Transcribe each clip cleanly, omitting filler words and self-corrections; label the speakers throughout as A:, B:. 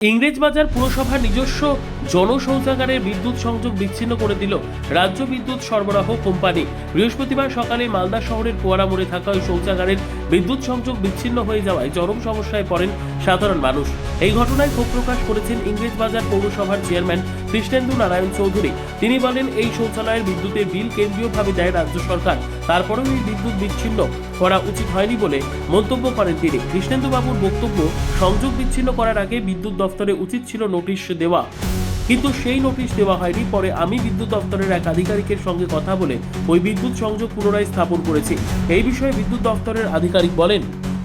A: ইংরেজবাজার পুরসভার নিজস্ব জনশৌচাগারের বিদ্যুৎ সংযোগ বিচ্ছিন্ন করে দিল রাজ্য বিদ্যুৎ সরবরাহ কোম্পানি। বৃহস্পতিবার সকালে মালদা শহরের কুয়ারা মোড়ে থাকা ওই শৌচাগারের বিদ্যুৎ সংযোগ বিচ্ছিন্ন হয়ে যাওয়ায় চরম সমস্যায় পড়েন সাধারণ মানুষ। এই ঘটনায় ক্ষোভ প্রকাশ করেছেন ইংরেজবাজার পৌরসভার চেয়ারম্যান কৃষ্ণেন্দু নারায়ণ চৌধুরী। তিনি বলেন, এই শৌচালয়ের বিদ্যুতের বিল কেন্দ্রীয়ভাবে দেয় রাজ্য সরকার, তারপরেও এই বিদ্যুৎ বিচ্ছিন্ন করা উচিত হয়নি বলে মন্তব্য করেন তিনি। কৃষ্ণেন্দু বাবুর বক্তব্য, সংযোগ বিচ্ছিন্ন করার আগে বিদ্যুৎ দফতরে উচিত ছিল নোটিশ দেওয়া, কিন্তু সেই নোটিশ দেওয়া হয়নি। পরে আমি বিদ্যুৎ দফতরের এক আধিকারিকের সঙ্গে কথা বলে ওই বিদ্যুৎ সংযোগ পুনরায় স্থাপন করেছি। এই বিষয়ে বিদ্যুৎ দফতরের আধিকারিক বলেন,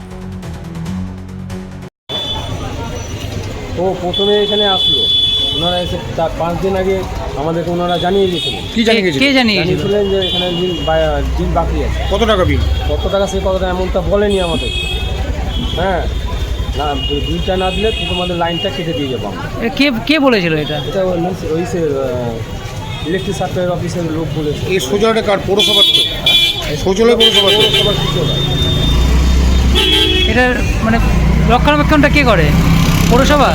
B: ও প্রথমে এখানে আসলো, ওনারা এসে তার 5 দিন আগে আমাদেরকে ওনারা জানিয়ে দিয়েছিলেন।
C: কি
B: জানিয়েছিলেন যে এখানে বিল বাকি আছে।
C: কত টাকা বিল?
B: কত টাকা সে কত টাকা এমনটা বলেনি আমাদের। হ্যাঁ, না বিলটা না দিলে তোমাদের লাইনটা কেটে দিয়ে যাবো আমরা।
D: কে বলেছিল এটা?
B: এটা ওই সে ইলেকট্রিক সাপ্লাই অফিসের লোক বলেছে।
C: এই শৌচালয়টা কার? পৌরসভার তো? শৌচালয় পৌরসভার
B: কিছু না।
D: এটা মানে রক্ষণাবেক্ষণটা কে করে? পৌরসভা?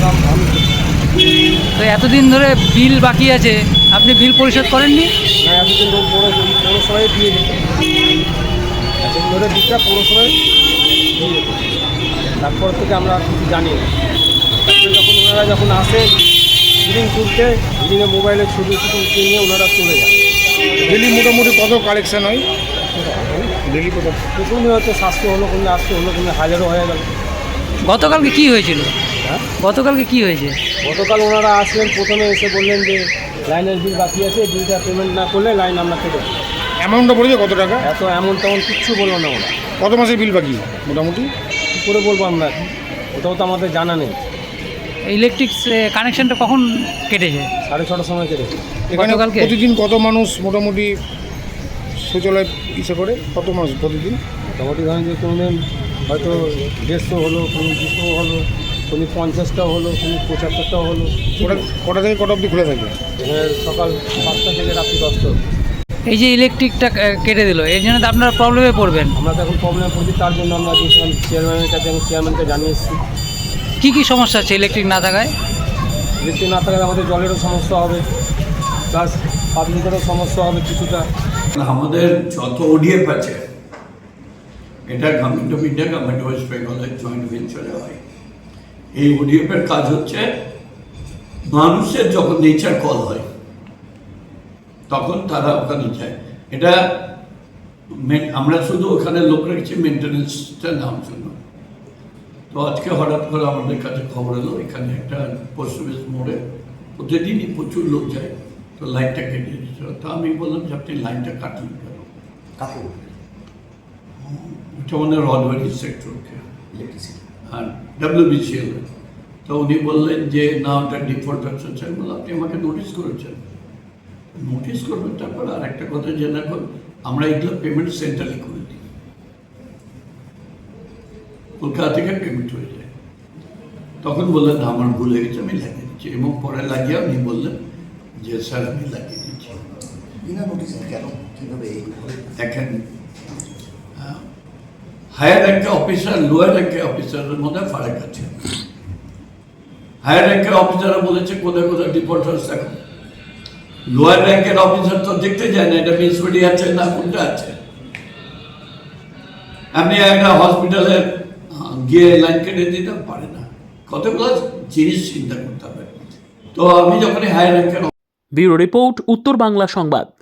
D: তো এতদিন ধরে বিল বাকি আছে, আপনি বিল পরিশোধ করেননি?
B: না, এতদিন ধরে পৌরসভায় দিয়ে দিত, এতদিন ধরে বিলটা পৌরসভায় দিয়ে দিত। তারপর থেকে আমরা কিছু জানি না। তারপরে যখন আসে রিডিং তুলতে, রিডিংয়ে মোবাইলের ছবি নিয়ে ওনারা চলে যায়।
C: ডেলি মোটামুটি কত কালেকশন হয়? ডেলি কত?
B: প্রথমে হয়তো 700 হলো, কোনো 800 হলো, কোনো 1000ও হয়ে গেল।
D: গতকালকে কি হয়েছিল?
B: হ্যাঁ,
D: গতকালকে কি হয়েছে?
B: গতকাল ওনারা আসলেন, প্রথমে এসে বললেন যে লাইনের বিল বাকি আছে, বিলটা পেমেন্ট না করলে লাইন আমরা কেটে দেবো।
C: অ্যামাউন্টটা বলেছে কত টাকা?
B: এত এমন তেমন কিচ্ছু বললো না ওরা।
C: কত মাসের বিল বাকি মোটামুটি?
B: কী করে বলবো আমরা, ওটাও তো আমাদের জানা নেই।
D: ইলেকট্রিক কানেকশনটা কখন কেটেছে?
B: 6:30 সময় কেটেছে।
C: এখানে
D: গতকালকে?
C: প্রতিদিন কত মানুষ মোটামুটি শৌচালয় ইসে করে? কত মানুষ প্রতিদিন?
B: মোটামুটি ধরেন যে কোনো দিন হয়তো 150 হলো, কোনো 200 হলো, কোনো 50টাও হলো, কোনো 75টাও হলো।
C: কটা থেকে কটা অবধি খুলে থাকে?
B: এখানে সকাল 5টা থেকে রাত্রি 10টা।
D: এই যে ইলেকট্রিকটা কেটে দিল, এর জন্য তো আপনারা প্রবলেমে পড়বেন।
B: আমরা তো এখন প্রবলেমে পড়ছি, তার জন্য আমরা গিয়েছিলাম চেয়ারম্যানের কাছে, আমি চেয়ারম্যানকে জানিয়ে এসেছি।
D: কি সমস্যা আছে ইলেকট্রিক না থাকায়?
B: ইলেকট্রিক না থাকলে আমাদের জলেরও সমস্যা হবে, প্লাস পাবলিকেরও সমস্যা হবে কিছুটা।
E: আমাদের যত ওডিএফ আছে, এটা government of India, government west বেঙ্গলের জয়েন্ট ভেঞ্চারে হয়। এই ওডিএফের কাজ হচ্ছে, মানুষের যখন নেচার কল হয় তখন তারা ওখানে যায়। এটা আমরা শুধু ওখানে লোক রেখেছি মেনটেন্যান্সটা নেওয়ার জন্য। তো আজকে হঠাৎ করে আমাদের কাছে খবর এলো এখানে একটা পোস্ট অফিস মোড়ে প্রতিদিনই প্রচুর লোক যায়, তো লাইনটা কেটে দিয়েছিল। তো আমি বললাম যে আপনি লাইনটা কাটলেন কেন? ওটা মানে রডওয়ারি সেক্টরকে আর WBCL। তো উনি বললেন যে না, ওটা ডিফল্ট আছে। আমি বললাম আপনি আমাকে নোটিশ করেছেন, নোটিশ করবেন। তারপর আর একটা কথা জেনে রাখুন, আমরা এগুলো পেমেন্ট সেন্ট্রালি করে দিই, কলকাতা থেকে পেমেন্ট হয়ে যায়। তখন বললেন না, আমার ভুল হয়ে গেছে, আমি লাগিয়ে দিচ্ছি। এবং পরে লাগিয়ে উনি বললেন যে স্যার আমি লাগিয়ে দিচ্ছি। দেখেন, হায়ার র্যাঙ্কের অফিসার লোয়ার র্যাঙ্কের অফিসারের মধ্যে ফারাক আছে। হায়ার র্যাঙ্কের অফিসাররা বলেছে কোথায় কোথায় ডিফল্ট হচ্ছে। এখন লোয়ার র্যাঙ্কের অফিসার তো দেখতে যায় না এটা মিউনিসিপ্যালিটি আছে না কোনটা আছে। আপনি একটা হসপিটালে গিয়ে লাইন কেটে দিতে পারে না, কতগুলো জিনিস চিন্তা করতে হবে। তো আমি যখন হায়ার র্যাঙ্কের
A: ব্যুরো রিপোর্ট, উত্তর বাংলা সংবাদ।